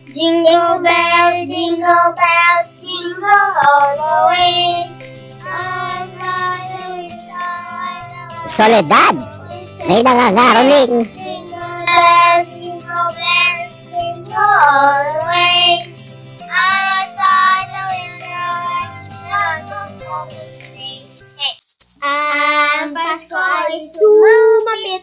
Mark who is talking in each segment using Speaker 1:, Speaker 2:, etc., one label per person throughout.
Speaker 1: Jingle bells, jingle all the way.
Speaker 2: Soledad, may nangangaroling.
Speaker 1: Jingle bells, jingle all the way. Ang Pasko ay sumapit.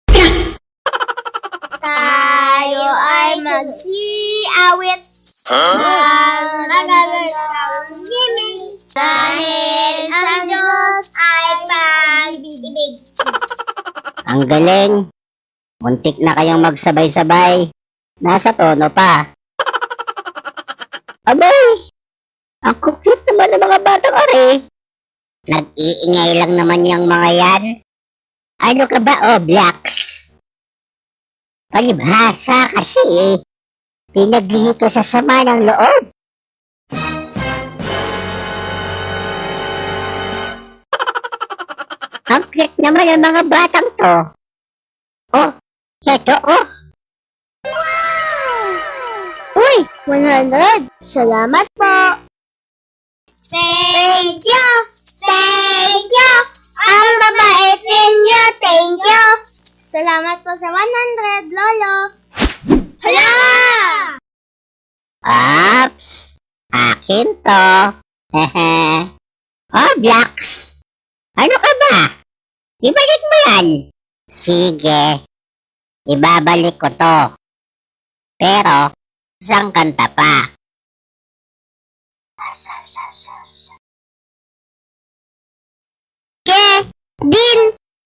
Speaker 1: Tayo ay magsiawit. Ang nagagandang himig. Dahil sa Diyos ay pag-ibig.
Speaker 2: Ang galing. Muntik na kayong magsabay-sabay. Nasa tono pa. Abay! Ang cute naman ng mga batang are. Nag-iingay lang naman yung mga yan. Ano ka ba, Blacks? Palibhasa kasi eh. Pinaglihi ko sa sama ng loob. Ang cute naman ng mga batang to. Oh, heto oh.
Speaker 1: Uy, 100. Salamat po. Thank you. Thank you. Ang babait ninyo. Thank you. Salamat po sa 100, Lolo. Hala!
Speaker 2: Ops! Akin to. Hehe. Oh, Blacks! Ano ka ba? Ibalik mo yan. Sige. Ibabalik ko to. Pero, isang kanta pa.
Speaker 1: Deal!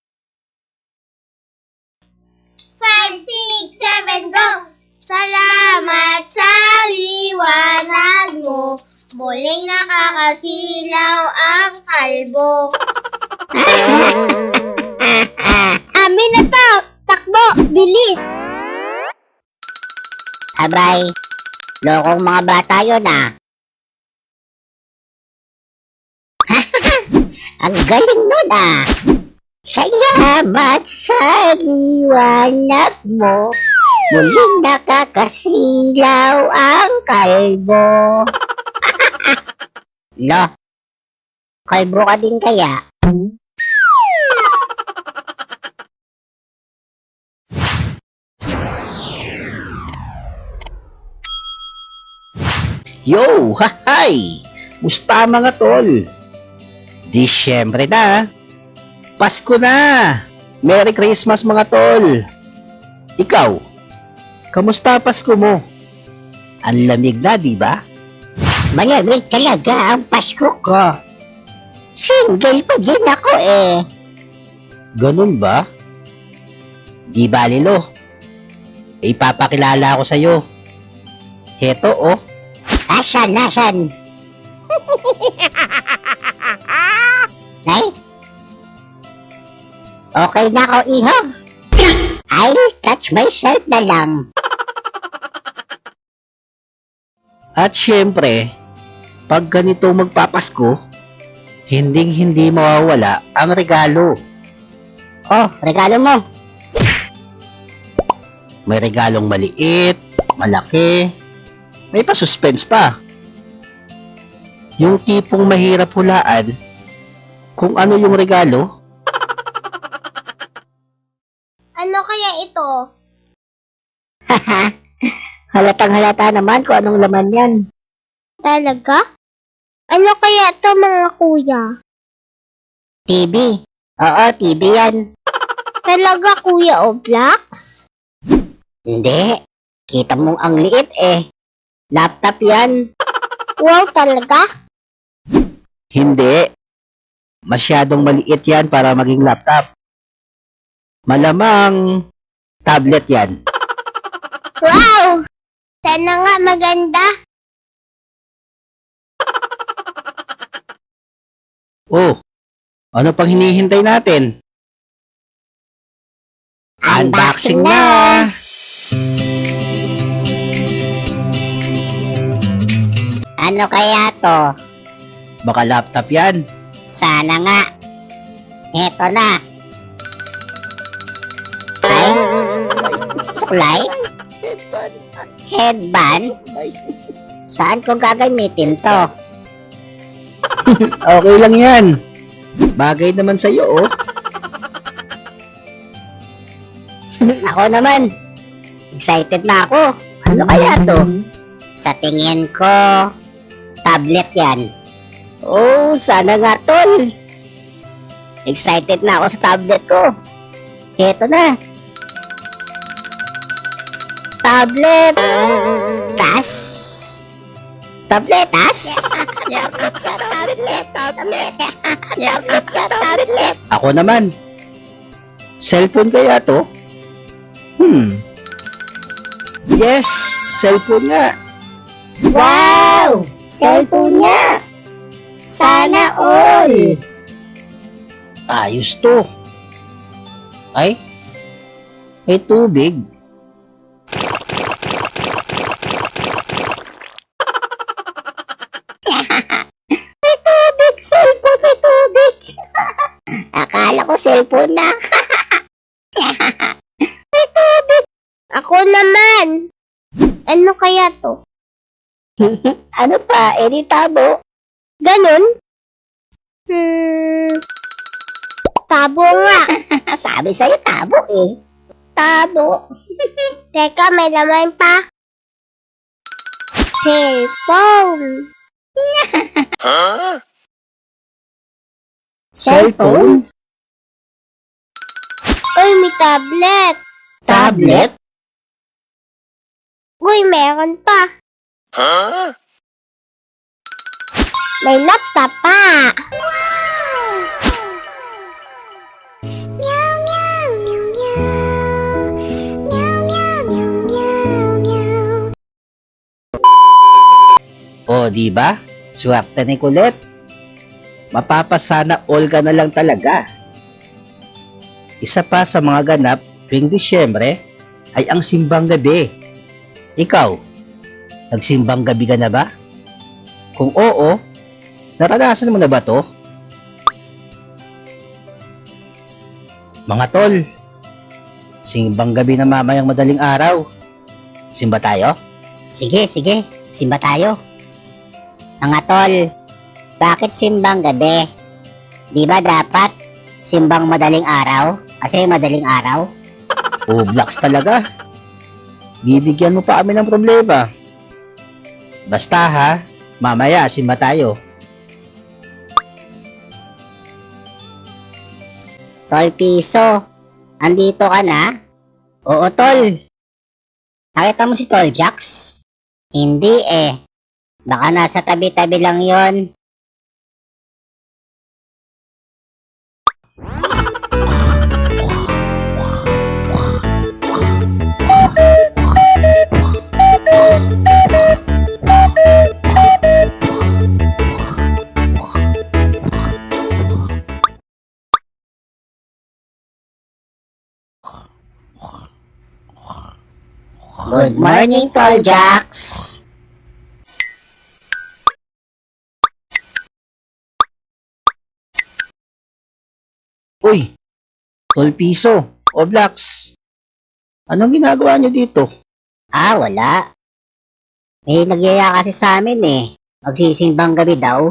Speaker 1: 5, 6, 7, go! Salamat sa liwanag mo. Muling nakakasilaw ang kalbo. Amin na to! Takbo! Bilis!
Speaker 2: Abay, lokong mga bata yun ah. Ang galing nun ah. Salamat sa liwanag mo. Muling nakakasilaw ang kalbo. Lo, kalbo ka din kaya?
Speaker 3: Yo! Hahay! Musta mga tol? Disyembre na. Pasko na. Merry Christmas mga tol. Ikaw, kamusta Pasko mo? Ang lamig na, di ba?
Speaker 2: Malamig talaga ang Pasko ko. Single pa din ako eh.
Speaker 3: Ganun ba? Di bali lo. Ipapakilala ko sa'yo. Heto oh.
Speaker 2: Asan? Ay? Okay na ako, iho. I'll touch myself na lang.
Speaker 3: At syempre, pag ganito magpapasko, hinding-hindi mawawala ang regalo.
Speaker 2: Oh, regalo mo.
Speaker 3: May regalong maliit, malaki, may pa-suspense pa. Yung tipong mahirap hulaan kung ano yung regalo.
Speaker 1: Ano kaya ito?
Speaker 2: Halatang halata naman kung anong laman yan.
Speaker 1: Talaga? Ano kaya ito mga kuya?
Speaker 2: TV. Oo, TV yan.
Speaker 1: Talaga kuya o Blacks?
Speaker 2: Hindi. Kita mong ang liit eh. Laptop yan.
Speaker 1: Wow, talaga?
Speaker 3: Hindi. Masyadong maliit yan para maging laptop. Malamang tablet yan.
Speaker 1: Wow! Sana nga maganda.
Speaker 3: Oh, ano pang hinihintay natin? Unboxing na!
Speaker 2: Ano kaya to?
Speaker 3: Baka laptop yan.
Speaker 2: Sana nga. Eto na. Ay, suklay? Headband? Saan ko gagamitin to?
Speaker 3: Okay lang yan. Bagay naman sa'yo, oh.
Speaker 2: Ako naman. Excited na ako. Ano kaya to? Sa tingin ko, tablet yan. Oh, sana nga tol. Excited na ako sa tablet ko. Heto na. Tablet. Tas. Tabletas? Tablet.
Speaker 3: Ako naman. Cellphone kaya to? Yes, cellphone nga.
Speaker 2: Wow! Cellphone nga! Sana all!
Speaker 3: Ayos to. Ay, may tubig.
Speaker 2: Cellphone, may tubig! Akala ko cellphone na.
Speaker 1: Ako naman. Ano kaya to?
Speaker 2: Ano pa? Edi tabo.
Speaker 1: Ganun? Tabo nga.
Speaker 2: Sabi sa'yo tabo eh. Tabo.
Speaker 1: Teka, may laman pa. Cellphone.
Speaker 3: Cellphone?
Speaker 1: Uy, may tablet.
Speaker 3: Tablet?
Speaker 1: Uy, meron pa. May laptop pa. Meow, meow, meow, meow. Meow, meow, meow, meow, meow.
Speaker 3: O, di ba? Swerte ni Colette. Mapapasana all ka na lang talaga. Isa pa sa mga ganap tuwing Disyembre ay ang simbang gabi. Ikaw, nagsimbang gabi ka na ba? Kung oo, naranasan mo na ba to? Mga tol, simbang gabi na mamayang madaling araw. Simba tayo?
Speaker 2: Sige, sige. Simba tayo. Mga tol, bakit simbang gabi? Di ba dapat simbang madaling araw? Kasi madaling araw?
Speaker 3: O blocks talaga. Bibigyan mo pa kami ng problema. Basta ha, mamaya simba tayo.
Speaker 2: Tol Piso, andito ka na? Oo, tol. Nakita mo si Tol Jax? Hindi eh. Baka nasa tabi-tabi lang yon. Good morning, Tol Jax.
Speaker 3: Uy, Tol Piso, o blocks. Anong ginagawa nyo dito?
Speaker 2: Ah, wala. May nagyaya kasi sa amin eh. Magsisimbang gabi daw.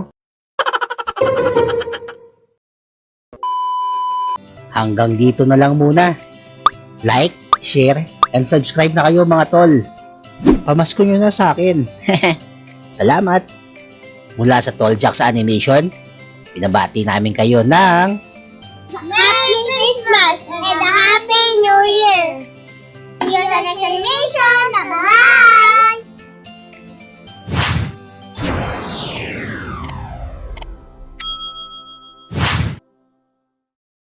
Speaker 3: Hanggang dito na lang muna. Like, share, and subscribe na kayo mga tol. Pamasko nyo na sa akin. Salamat. Mula sa Tol Jax Animation, pinabati namin kayo ng